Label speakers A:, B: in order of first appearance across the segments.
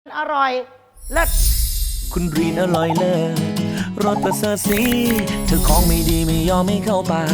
A: อร่อยเลิศ
B: คุณรีนอร่อยเลิศรสประเสริฐสีเธอของไม่ดีไม่ยอมไม่เข้าปาก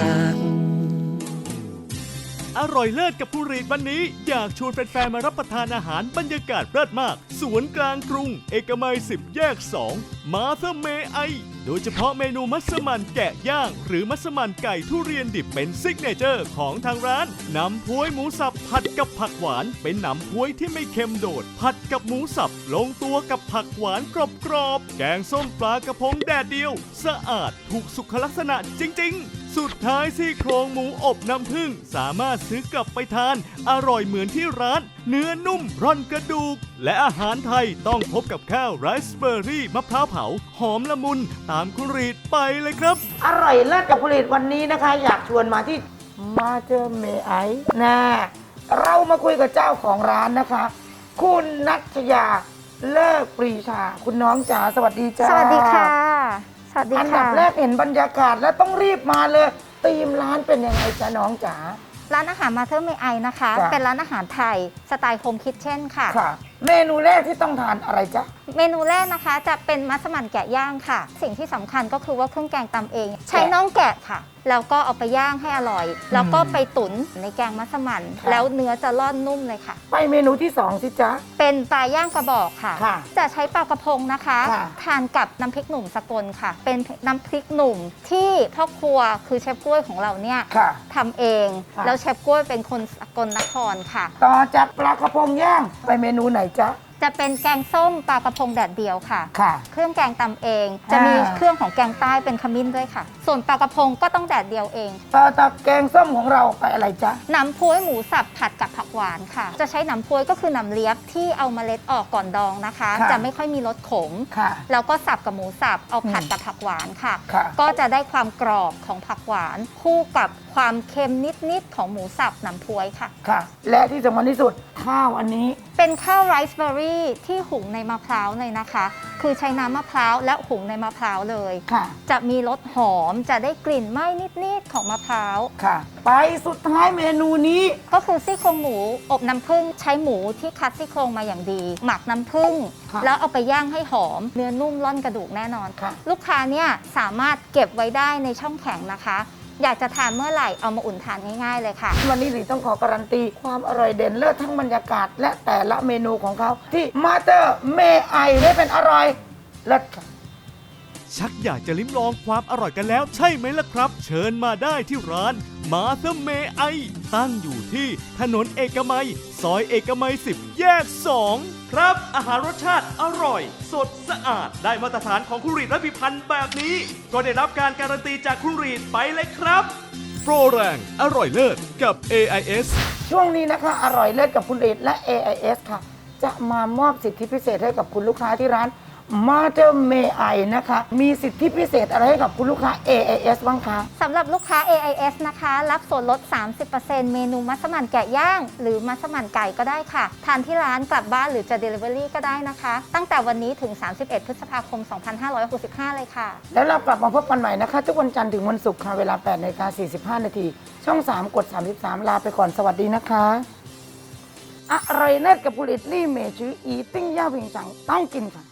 C: อร่อยเลิศกับผู้รีดวันนี้อยากชวนแฟนๆมารับประทานอาหารบรรยากาศเลิศมากสวนกลางกรุงเอกมัย10 แยก 2 มาเธอเมไอโดยเฉพาะเมนูมัสมั่นแกะย่างหรือมัสมั่นไก่ทุเรียนดิบเป็นซิกเนเจอร์ของทางร้านหนำพ้วยหมูสับผัดกับผักหวานเป็นหนำพ้วยที่ไม่เค็มโดดผัดกับหมูสับลงตัวกับผักหวานกรอบๆแกงส้มปลากระพงแดดเดียวสะอาดถูกสุขลักษณะจริงๆสุดท้ายซี่โครงหมูอบน้ำผึ้งสามารถซื้อกลับไปทานอร่อยเหมือนที่ร้านเนื้อนุ่มร่อนกระดูกและอาหารไทยต้องพบกับข้าวไรซ์เบอร์รี่มะพร้าวเผาหอมละมุนตามคุณรีดไปเลยครับ
A: อร่อยเลิศกับผลิตวันนี้นะคะ อยากชวนมาที่มาเจอเมไอนะเรามาคุยกับเจ้าของร้านนะคะ คุณนัชยาเลิกปรีชาคุณน้องจ๋าสวัสดีจ้า
D: สวัสดีค่ะสวัสดีค่ะ
A: อันดับแรกเห็นบรรยากาศแล้วต้องรีบมาเลยธีมร้านเป็นยังไงจ๊ะน้องจ๋า
D: ร้านอาหารมาเธอร์เมไอนะคะ
A: จ้ะ
D: เป็นร้านอาหารไทยสไตล์โฮมคิทเช่นค่ะ
A: ค่ะ เมนูแรกที่ต้องทานอะไรจ๊ะ
D: เมนูแรกนะคะจะเป็นมัสมั่นแกะย่างค่ะ สิ่งที่สำคัญก็คือว่าเครื่องแกงตำเอง ใช้น่องแกะค่ะ แล้วก็เอาไปย่างให้อร่อย แล้วก็ไปตุ๋นในแกงมัสมั่น
A: ค่ะ
D: แล้วเนื้อจะร่อนนุ่มเลยค่ะ
A: ไปเมนูที่สองสิจ๊ะ
D: เป็นปลาย่างกระบอกค่ะ
A: ค่ะ
D: จะใช้ปลากระพงนะคะ
A: ค่ะ
D: ทานกับน้ำพริกหนุ่มสกลค่ะ เป็นน้ำพริกหนุ่มที่พ่อครัวคือเชฟกล้วยของเราเนี่ย
A: ค่ะ
D: ทำเอง
A: ค่ะ
D: แล้วเชฟกล้วยเป็นคนสกลนครค่ะ
A: ต่อจากปลากระพงย่างไปเมนูไหนจ๊ะ
D: จะเป็นแกงส้มปลากระพงแดดเดียวค่ะ
A: ค่ะ
D: เครื่องแกงตำเอง จะมีเครื่องของแกงใต้เป็นขมิ้นด้วยค่ะ ส่วนปลากระพงก็ต้องแดดเดียวเอง
A: ต่อจากแกงส้มของเราไปอะไรจ๊ะ
D: หนำพ้วยหมูสับผัดกับผักหวานค่ะ จะใช้หนำพ้วยก็คือหนำเลียบที่เอาเมล็ดออกก่อนดองนะคะ
A: ค่ะ
D: จะไม่ค่อยมีรสขม
A: ค่ะ
D: แล้วก็สับกับหมูสับเอาผัดกับผักหวานค่ะ
A: ค่ะ
D: ก็จะได้ความกรอบของผักหวาน คู่กับความเค็มนิดๆของหมูสับหนำพ้วยค่ะ
A: ค่ะ และที่สำคัญที่สุดข้าวอันนี้
D: เป็นข้าวไรซ์เบอร์รี่ที่หุงในมะพร้าวเลยนะคะ คือใช้น้ำมะพร้าวและหุงในมะพร้าวเลย
A: ค่ะ
D: จะมีรสหอม จะได้กลิ่นไหม้นิดๆของมะพร้าว
A: ค่ะ ไปสุดท้ายเมนูนี้
D: ก็คือซี่โครงหมูอบน้ำผึ้งใช้หมูที่คัดซี่โครงมาอย่างดี หมักน้ำผึ้ง
A: ค่ะ
D: แล้วเอาไปย่างให้หอม เนื้อนุ่มร่อนกระดูกแน่นอน
A: ค่ะ
D: ลูกค้าเนี่ยสามารถเก็บไว้ได้ในช่องแข็งนะคะ อยากจะทานเมื่อไหร่เอามาอุ่นทานง่ายๆเลยค่ะ
A: วันนี้หลีต้องขอการันตีความอร่อยเด่นเลิศทั้งบรรยากาศ และแต่ละเมนูของเขาที่มาเตอร์เมไอได้เป็นอร่อยเลิศค่ะ
C: ชักอยากจะลิ้มลองความอร่อยกันแล้วใช่ไหมล่ะครับ เชิญมาได้ที่ร้านมาเธอเมไอตั้งอยู่ที่ถนนเอกมัย ซอยเอกมัย 10 แยก 2 ครับ อาหารรสชาติอร่อย สดสะอาดได้มาตรฐานของคุณรีดและพิพันธ์แบบนี้ ก็ได้รับการการันตีจากคุณรีดไปเลยครับ โปรแรงอร่อยเลิศกับ AIS
A: ช่วงนี้นะคะอร่อยเลิศกับคุณเอดและ AIS ค่ะ จะมามอบสิทธิพิเศษให้กับคุณลูกค้าที่ร้านมาเตอร์เมไอนะคะ มีสิทธิพิเศษอะไรให้กับคุณลูกค้า AIS บ้างคะ
D: สำหรับลูกค้า AIS นะคะ รับส่วนลด 30% เมนูมัสมั่นแกะย่าง หรือมัสมั่นไก่ก็ได้ค่ะ ทานที่ร้านกลับบ้านหรือจะ Delivery ก็ได้นะคะ ตั้งแต่วันนี้ถึง 31 พฤษภาคม 2565 เลยค่ะ
A: แล้วเรากลับมาพบกันใหม่นะคะ ทุกวันจันทร์ถึงวันศุกร์ค่ะ เวลา 8:45 น. ช่อง 3 กด 33 ลาไปก่อนสวัสดีนะคะอร่อยเลิศกับผลิตลี่เมชืออีติ้งย่าผิงฉังต้องกินค่ะ